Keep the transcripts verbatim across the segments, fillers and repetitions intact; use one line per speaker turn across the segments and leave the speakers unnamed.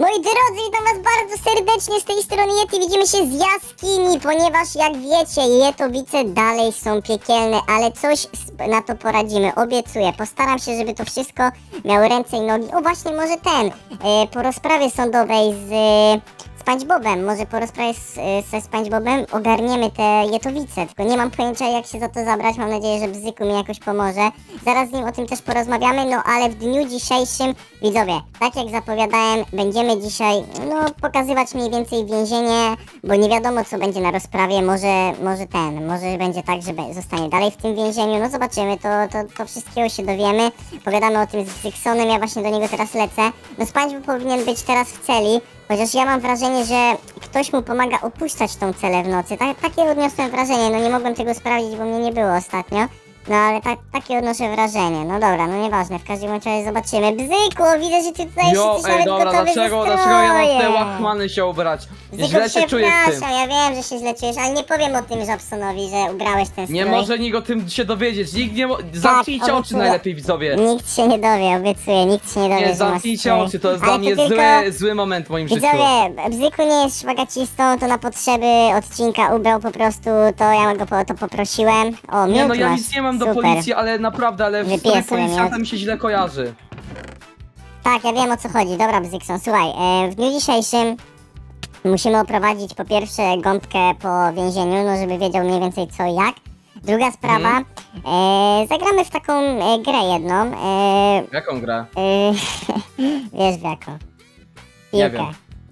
Moi drodzy, witam was bardzo serdecznie z tej strony Yeti. Widzimy się z jaskini, ponieważ jak wiecie, Jetowice dalej są piekielne, ale coś na to poradzimy, obiecuję. Postaram się, żeby to wszystko miało ręce i nogi. O właśnie, może ten, e, po rozprawie sądowej z e, SpongeBobem, może po rozprawie z, ze SpongeBobem ogarniemy te Jetowice, tylko nie mam pojęcia, jak się za to zabrać. Mam nadzieję, że Bzyku mi jakoś pomoże. Zaraz z nim o tym też porozmawiamy, no ale w dniu dzisiejszym, widzowie, tak jak zapowiadałem, będziemy dzisiaj, no, pokazywać mniej więcej więzienie, bo nie wiadomo, co będzie na rozprawie. Może, może ten, może będzie tak, że be- zostanie dalej w tym więzieniu, no zobaczymy, to, to, to wszystkiego się dowiemy. Pogadamy o tym z Bzyksonem, ja właśnie do niego teraz lecę. No SpongeBob powinien być teraz w celi, chociaż ja mam wrażenie, że ktoś mu pomaga opuszczać tą celę w nocy. Ta, takie odniosłem wrażenie, no nie mogłem tego sprawdzić, bo mnie nie było ostatnio. No ale ta, takie odnoszę wrażenie. No dobra, no nieważne, w każdym razie zobaczymy. Bzyku, widzę, że ty tutaj
Jo,
jesteś
ej,
nawet
dobra,
gotowy
dlaczego,
ze
dlaczego ja mam te
strojem.
łachmany się ubrać?
Bzyku,
Źle się czuję z tym.
przepraszam, ja wiem, że się źle czujesz, ale nie powiem o tym Żabsonowi, że ubrałeś ten strój.
Nie może nikt o tym się dowiedzieć, nikt nie mo... Zamknijcie oczy
obiecuję.
najlepiej, widzowie.
Nikt się nie dowie, obiecuję, nikt się nie dowie,
Nie,
że masz
zamknijcie
strój.
oczy, to jest
Ale
dla mnie
tylko...
zły, zły moment w moim życiu.
Widzowie, Bzyku nie jest szwagacistą, to na potrzeby odcinka ubrał po prostu, to ja go po to poprosiłem. O,
Nie
miód
no, ja
masz.
nic nie mam do
Super.
policji, ale naprawdę, ale w
Wypiję
stroju
sobie
policjanta
miód.
mi się źle kojarzy.
Tak, ja wiem o co chodzi. Dobra, Bzykson, słuchaj, e, w dniu dzisiejszym musimy oprowadzić po pierwsze gąbkę po więzieniu, no żeby wiedział mniej więcej co i jak. Druga sprawa,
Mhm.
e, zagramy w taką e, grę jedną, e,
Jaką grę?
e, wiesz w jaką.
Nie
Piłkę.
wiem.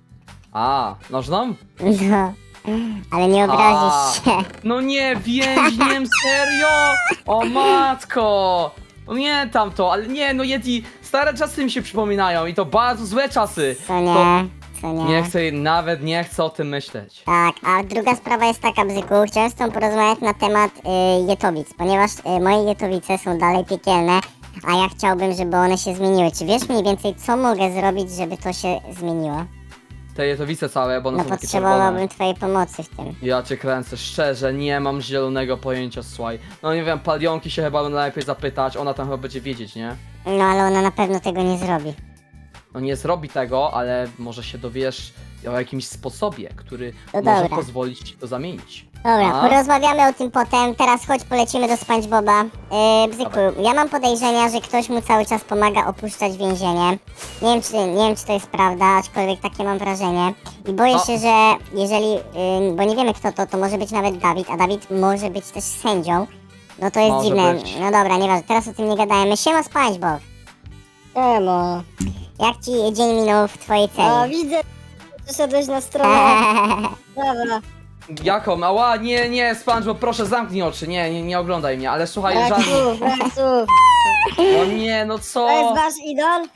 A, nożną?
No, ale nie
A.
obrazisz się.
No nie, więźniem, serio? O matko! Pamiętam to, ale nie, no Yeti, stare czasy mi się przypominają i to bardzo złe czasy.
Co nie,
To
co nie.
nie chcę, nawet nie chcę o tym myśleć.
Tak, a druga sprawa jest taka, Bzyku, chciałem z tobą porozmawiać na temat y, Jetowic, ponieważ y, moje Jetowice są dalej piekielne, a ja chciałbym, żeby one się zmieniły. Czy wiesz mniej więcej, co mogę zrobić, żeby to się zmieniło?
Te jetowice całe, bo one
No
są takie czerwone.
potrzebowałbym twojej pomocy w tym.
Ja cię kręcę, szczerze, nie mam zielonego pojęcia, słuchaj. No nie wiem, Palionki się chyba najlepiej zapytać, ona tam chyba będzie wiedzieć, nie?
No ale ona na pewno tego nie zrobi.
No nie zrobi tego, ale może się dowiesz o jakimś sposobie, który
No
może
dobra.
pozwolić ci to zamienić.
Dobra,
A?
porozmawiamy o tym potem, teraz chodź polecimy do SpongeBoba. Yy, Bzyku,
Dawaj.
ja mam podejrzenia, że ktoś mu cały czas pomaga opuszczać więzienie. Nie wiem, czy, nie wiem, czy to jest prawda, aczkolwiek takie mam wrażenie. I boję
O.
się, że jeżeli, yy, bo nie wiemy kto to, to może być nawet Dawid, a Dawid może być też sędzią. No to jest
Może
dziwne.
być.
No dobra, nieważne, teraz o tym nie gadajmy. Siema SpongeBob,
Emo.
jak ci dzień minął w twojej
A
celi?
widzę, przyszedłeś na stronę. Dobra.
Jaką? Ała, nie, nie, SpongeBob, proszę zamknij oczy, nie, nie, nie oglądaj mnie, ale słuchaj,
Brak
żadnych.
słów, brak słów.
No nie, no co?
To jest wasz idol?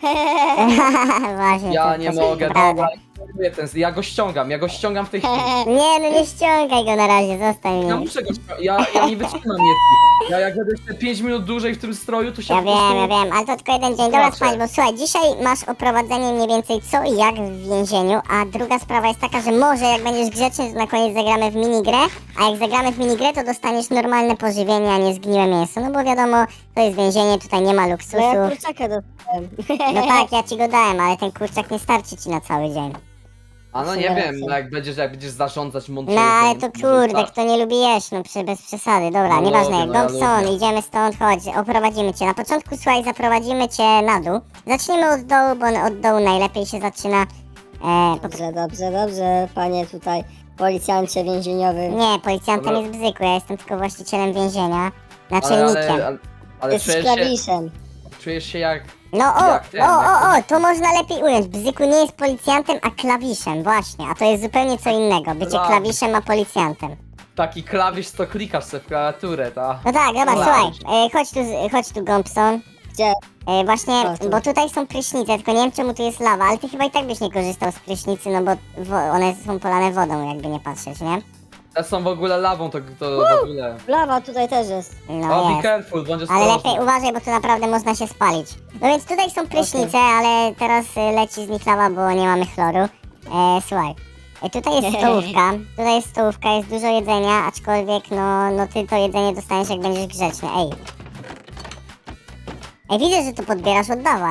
Właśnie,
Ja
to-
nie
to
mogę,
prawda.
dobra, ignoruję ten, ja go ściągam, ja go ściągam w tej chwili.
Nie, no nie ściągaj go na razie, zostań
Ja
mnie.
muszę go ściągać, ja, ja nie wytrzymam Yeti. Ja jak będę jeszcze pięć minut dłużej w tym stroju, to się
Ja
po prostu...
wiem, ja wiem, ale to tylko jeden dzień. Dobra,
Zobaczę.
SpongeBob, słuchaj, dzisiaj masz oprowadzenie mniej więcej co i jak w więzieniu, a druga sprawa jest taka, że może jak będziesz grzeczny, to na koniec zagramy w minigrę, a jak zagramy w minigrę, to dostaniesz normalne pożywienie, a nie zgniłe mięso, no bo wiadomo, to jest więzienie, tutaj nie ma
No ja
luksusu.
kurczaka dostałem.
No tak, ja ci go dałem, ale ten kurczak nie starczy ci na cały dzień.
A no
W
nie
sumie
wiem,
racja.
no jak będziesz, jak będziesz zarządzać mądrze.
No ale to kurde, kto nie lubi jeść, no przy, bez przesady. Dobra,
No
nieważne,
lubię, no ja
Gobson,
lubię.
idziemy stąd, chodź, oprowadzimy cię. Na początku, słuchaj, zaprowadzimy cię na dół. Zaczniemy od dołu, bo od dołu najlepiej się zaczyna. E, po...
Dobrze, dobrze, dobrze, panie tutaj policjancie więzieniowy.
Nie, policjantem
Dobra.
jest Bzyku, ja jestem tylko właścicielem więzienia,
Ale,
naczelnikiem.
ale, ale, ale
Jest
czujesz, się,
klawiszem.
czujesz się jak...
No o,
jak ten,
o, o,
jak
o, to można lepiej ująć. Bzyku nie jest policjantem, a klawiszem, właśnie. A to jest zupełnie co innego, bycie
Dobra.
klawiszem, a policjantem.
taki klawisz, co klikasz sobie w klawiaturę, ta.
No tak, dobra,
Dobra.
słuchaj, e, chodź tu, z- chodź tu, Gobson.
Gdzie?
E, właśnie,
O, tu.
bo tutaj są prysznice, tylko nie wiem czemu tu jest lawa, ale ty chyba i tak byś nie korzystał z prysznicy, no bo wo- one są polane wodą, jakby nie patrzeć, nie?
Te są w ogóle lawą, to, to w ogóle...
Lawa tutaj też jest.
No
O, be
jest.
careful, bądź
Ale
ostrożny.
lepiej uważaj, bo tu naprawdę można się spalić. No więc tutaj są prysznice, ale teraz y, leci z nich lawa, bo nie mamy chloru. E, słuchaj, e, tutaj jest stołówka, tutaj jest stołówka, jest dużo jedzenia, aczkolwiek no, no ty to jedzenie dostaniesz jak będziesz grzeczny, ej. Ej, widzę, że to podbierasz, oddawaj.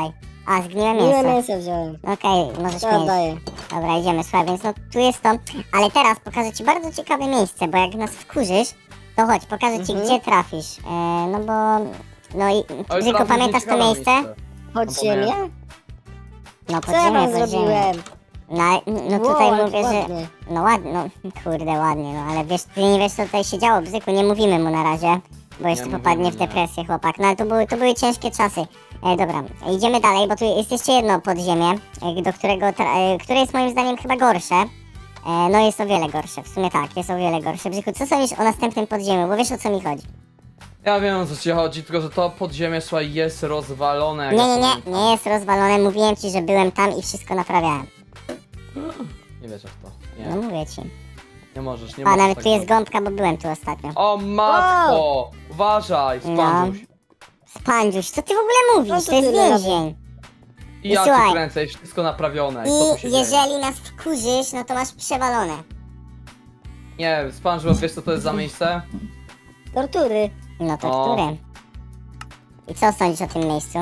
A, zgniłe
Miłe
mięso.
mięso wziąłem.
Okej, możesz
To
mieć.
oddaję.
Dobra, idziemy, słuchaj, więc no tu jest to. Ale teraz pokażę ci bardzo ciekawe miejsce, bo jak nas wkurzysz, to chodź, pokażę ci,
Mhm.
gdzie trafisz. E, no bo... No i...
Oj,
Bzyku,
trafisz
pamiętasz to
nieciekawe
miejsce?
Pod
No
ziemię?
No,
Co ja wam
pod ziemię.
zrobiłem?
No, no
Wow,
tutaj
ale
mówię, że...
ładnie.
No ładnie, no kurde, ładnie, no ale wiesz, ty nie wiesz, co tutaj się działo, Bzyku, nie mówimy mu na razie, bo jeszcze
mówimy,
popadnie w
nie.
depresję chłopak. No ale to były, to były ciężkie czasy. E, dobra, idziemy dalej, bo tu jest jeszcze jedno podziemie, e, do którego, tra- e, które jest moim zdaniem chyba gorsze. E, no jest o wiele gorsze, w sumie tak, jest o wiele gorsze. Bzyku, co sądzisz o następnym podziemiu, bo wiesz, o co mi chodzi?
Ja wiem, o co ci chodzi, tylko że to podziemie, słuchaj, jest rozwalone. jak
Nie,
ja
nie, nie,
pamiętam.
nie jest rozwalone, mówiłem ci, że byłem tam i wszystko naprawiałem.
Nie wierzę w to.
No
Nie,
mówię ci.
nie możesz, nie
A,
możesz
nawet
tak
tu jest
zrobić.
gąbka, bo byłem tu ostatnio.
O matko! Uważaj,
No.
spandziuś.
Spandziuś, co ty w ogóle mówisz?
No to
To jest
tyle
więzień.
I
I
ja
słuchaj.
ci kręcę, i wszystko naprawione. I, co tu się
I
dzieje?
jeżeli nas wkurzysz, no to masz przewalone.
Nie, Spanżu, wiesz co to jest za miejsce?
Tortury.
No to
O.
które? I co sądzisz o tym miejscu?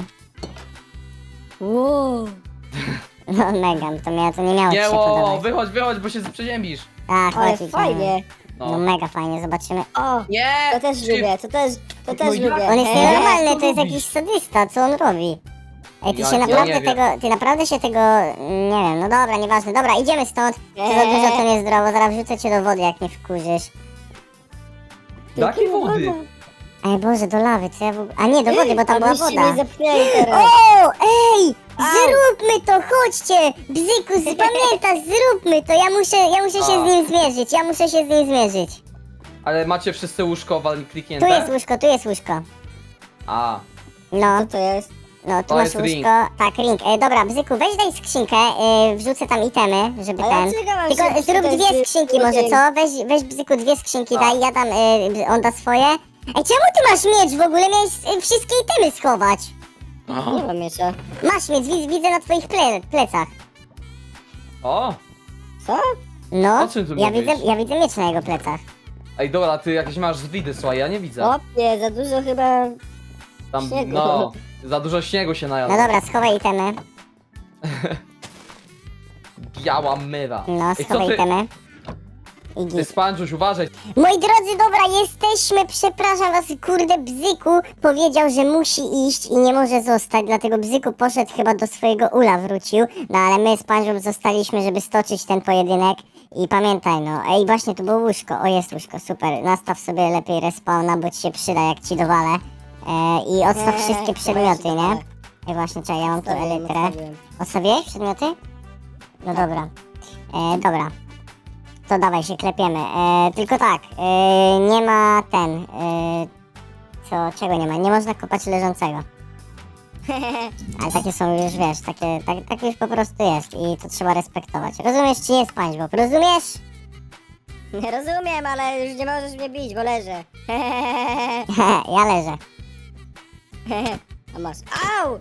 Wow.
No mega, to, miało, to nie miało ci
Nie,
się
o,
podobać.
wychodź, wychodź, bo się przeziębisz.
Tak,
Ale
chodź, idziemy.
fajnie.
No
No.
mega fajnie, zobaczymy.
O,
Nie!
to też
Szybko.
lubię, to też, to też
No jak?
lubię.
On jest
Eee,
nienormalny,
co
to jest
robisz?
jakiś sadysta, co on robi? Ej, ty
Ja-
się
ja
naprawdę
nie wiem.
tego, ty naprawdę się tego, nie wiem, no dobra, nieważne, dobra, idziemy stąd. To za
Eee.
dużo to niezdrowo, zaraz wrzucę cię do wody, jak mnie wkurzysz.
Do jakiej wody?
Ej Boże, do lawy, co ja w ogóle... A nie, do wody, bo tam była
Abyście
woda.
mnie zepchnęli teraz.
O, ej!
Au.
Zróbmy to, chodźcie! Bzyku, pamiętasz, zróbmy to, ja muszę, ja muszę się
A.
z nim zmierzyć, ja muszę się z nim zmierzyć.
Ale macie wszyscy łóżko wal- kliknięte?
Tu jest łóżko, tu jest łóżko.
A,
No,
Co to jest?
no, tu
To
masz
jest
łóżko.
ring.
Tak, ring. E, dobra, Bzyku, weź daj skrzynkę, e, wrzucę tam itemy, żeby
A ja
ten...
czekam, aż
Tylko
się
zrób
tutaj
dwie
z-
skrzynki może,
ring.
co? Weź, weź Bzyku dwie skrzynki,
A.
daj, ja dam, e, on da swoje. Ej, czemu ty masz miecz w ogóle? Miałeś e, wszystkie itemy schować.
Nie mam jeszcze.
Masz miecz, widzę, widzę na twoich ple, plecach.
o!
Co?
No,
O czym tu
ja
mówisz?
widzę, ja widzę miecz na jego plecach.
Ej, dobra, ty jakieś masz widy, słuchaj, ja nie widzę.
Opie, za dużo chyba...
Tam,
śniegu.
no, za dużo śniegu się
No
najadło.
dobra, schowaj itemy.
Biała myra.
No,
Ej, co
schowaj
ty,
itemy. I
ty
git.
Spanżuś, uważaj.
Moi drodzy, dobra, jesteśmy, przepraszam was, kurde, Bzyku powiedział, że musi iść i nie może zostać, dlatego Bzyku poszedł chyba do swojego ula, wrócił, no ale my z Panżą zostaliśmy, żeby stoczyć ten pojedynek i pamiętaj, no, ej, właśnie tu było łóżko, o jest łóżko, super, nastaw sobie lepiej respawna, bo ci się przyda, jak ci dowalę e, i odstaw
Eee,
wszystkie
to
przedmioty,
ja się
nie?
dowalę.
Ej, właśnie, czekaj, ja mam tu
Odstawiłem,
elytrę.
odstawiłem.
Odstawiłeś przedmioty? No dobra. E, dobra. To dawaj się klepiemy. E, tylko tak, e, nie ma ten. E, co, czego nie ma? Nie można kopać leżącego. Ale takie są już, wiesz, takie, tak, tak już po prostu jest i to trzeba respektować. Rozumiesz czy nie, SpongeBob? Rozumiesz?
Nie rozumiem, ale już nie możesz mnie bić, bo leżę.
Ja leżę.
A masz. Au!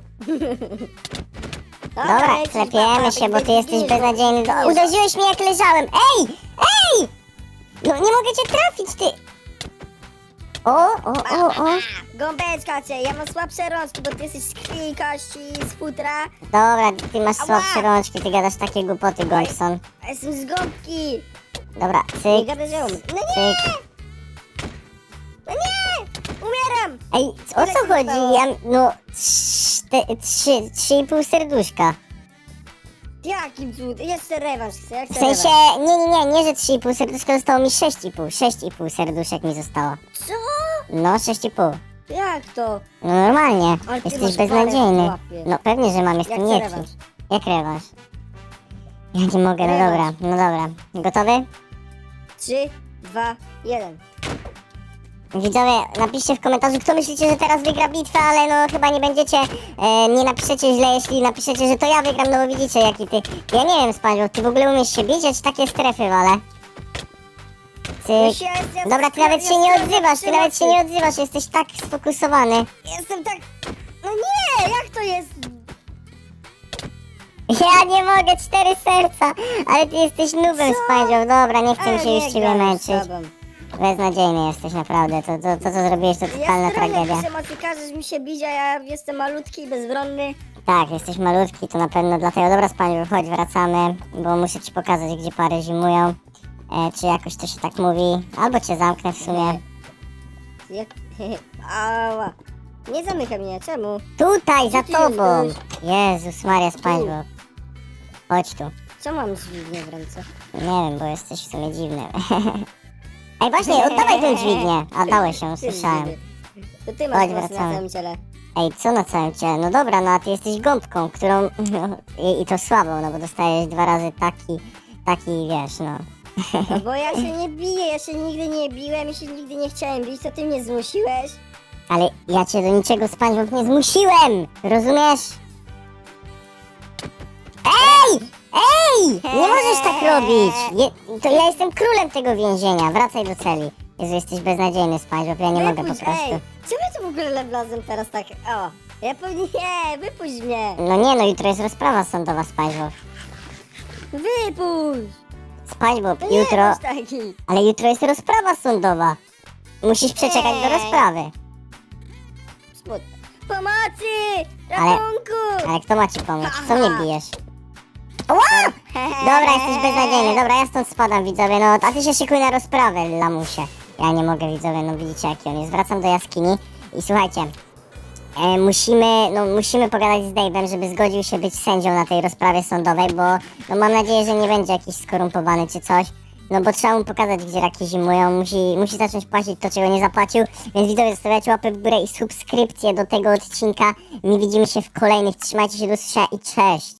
Dobra,
lecisz,
klepiemy
papa,
się, bo ty jesteś
widzisz,
beznadziejny.
widzisz.
Do- Uderzyłeś mnie jak leżałem. Ej! Ej! No nie mogę cię trafić, ty! O, o, o, o.
Gąbeczka cię, ja mam słabsze rączki, bo ty jesteś z krwi i kości, z futra.
Dobra, ty masz
Ała!
słabsze rączki, ty gadasz takie głupoty, Golson.
A jestem z gąbki.
Dobra,
Nie
cyk,
gadaj, że umiem. No nie,
cyk.
no nie! Umieram!
Ej, o
Ile
co
ci
chodzi?
zostało?
Ja, no, czte- trzy, trzy i pół serduszka.
Jakim cud? Jeszcze rewanż chcę, ja chcę
W sensie,
rewanż.
nie, nie, nie, nie, że trzy i pół serduszka, zostało mi sześć i pół. sześć i pół serduszek mi zostało.
Co?
No, sześć i pół.
Jak to?
No normalnie,
Ale ty
jesteś
masz
beznadziejny.
parę w łapie.
No pewnie, że mam, jestem
Jak
nie
chcę rewanż.
Jak rewanż? Ja nie mogę, no
Rewanż.
dobra, no dobra. Gotowy?
Trzy, dwa, jeden.
Widzowie, napiszcie w komentarzu, kto myślicie, że teraz wygra bitwę, ale no chyba nie będziecie, e, nie napiszecie źle, jeśli napiszecie, że to ja wygram, no bo widzicie jaki ty... Ja nie wiem, SpongeBob, ty w ogóle umiesz się bić, ja ci takie strefy walę. Cyk.
Ja- ja-
Dobra, ty nawet
ja
się nie
jestem
odzywasz, ty
na
nawet się nie odzywasz, jesteś tak sfokusowany.
Jestem tak... No nie, jak to jest?
Ja nie mogę, cztery serca, ale ty jesteś nubem,
Co?
SpongeBob, dobra, nie chcę mi
Ale
się już
nie
ciebie
gram z
męczyć.
tobą.
Beznadziejny jesteś naprawdę, to, to, to co zrobiłeś to
Ja
totalna
stronę
tragedia.
przemocy, każesz mi się bić, a ja jestem malutki i bezbronny.
Tak, jesteś malutki, to na pewno dlatego. Dobra, Spaniu, chodź, wracamy, bo muszę ci pokazać, gdzie pary zimują. E, czy jakoś to się tak mówi? Albo cię zamknę w sumie.
Jak... Ała. Nie zamykaj mnie, czemu?
Tutaj, za
Gdzie ty
tobą!
jesteś?
Jezus Maria, SpongeBob. Chodź tu.
Co mam dźwignię w ręce?
Nie wiem, bo jesteś w sumie dziwny. Ej, właśnie, oddawaj tę dźwignię. A, dałeś ją,
Ty
słyszałem.
dziwny. To ty masz
Chodź,
włosy na
wracamy.
całym ciele.
Ej, co na całym ciele? No dobra, no a ty jesteś gąbką, którą... I, I to słabą, no bo dostajesz dwa razy taki... Taki, wiesz, no.
No bo ja się nie biję, ja się nigdy nie biłem i się nigdy nie chciałem bić, to ty mnie zmusiłeś.
Ale ja cię do niczego, SpongeBob, nie zmusiłem! Rozumiesz? Ej! Ej! Nie możesz tak robić! Je, to ja jestem królem tego więzienia, wracaj do celi. Jezu, jesteś beznadziejny, SpongeBob, ja nie mogę po
Wypuść,
prostu.
ej! Czemu ja tu w ogóle wlazłem teraz tak? O! Ja powinien... Nie, wypuść mnie!
No nie, no jutro jest rozprawa sądowa, SpongeBob.
Wypuść!
SpongeBob,
No nie
jutro...
bądź taki!
Ale jutro jest rozprawa sądowa. Musisz przeczekać do
Ej.
rozprawy.
Smutno. Pomocy!
Ale-
Ratunku!
Ale kto ma ci pomóc? Co mnie bijesz? Ła! Dobra, jesteś beznadziejny. Dobra, ja stąd spadam, widzowie. No, a ty się szykuj na rozprawę, lamusie. Ja nie mogę, widzowie, no widzicie jaki on jest. Wracam do jaskini i słuchajcie. E, musimy, no musimy pogadać z Dave'em, żeby zgodził się być sędzią na tej rozprawie sądowej, bo no mam nadzieję, że nie będzie jakiś skorumpowany czy coś. No bo trzeba mu pokazać, gdzie raki zimują, musi, musi zacząć płacić to, czego nie zapłacił. Więc widzowie, zostawiajcie łapy w górę i subskrypcję do tego odcinka. My widzimy się w kolejnych, trzymajcie się do usłyszenia i cześć!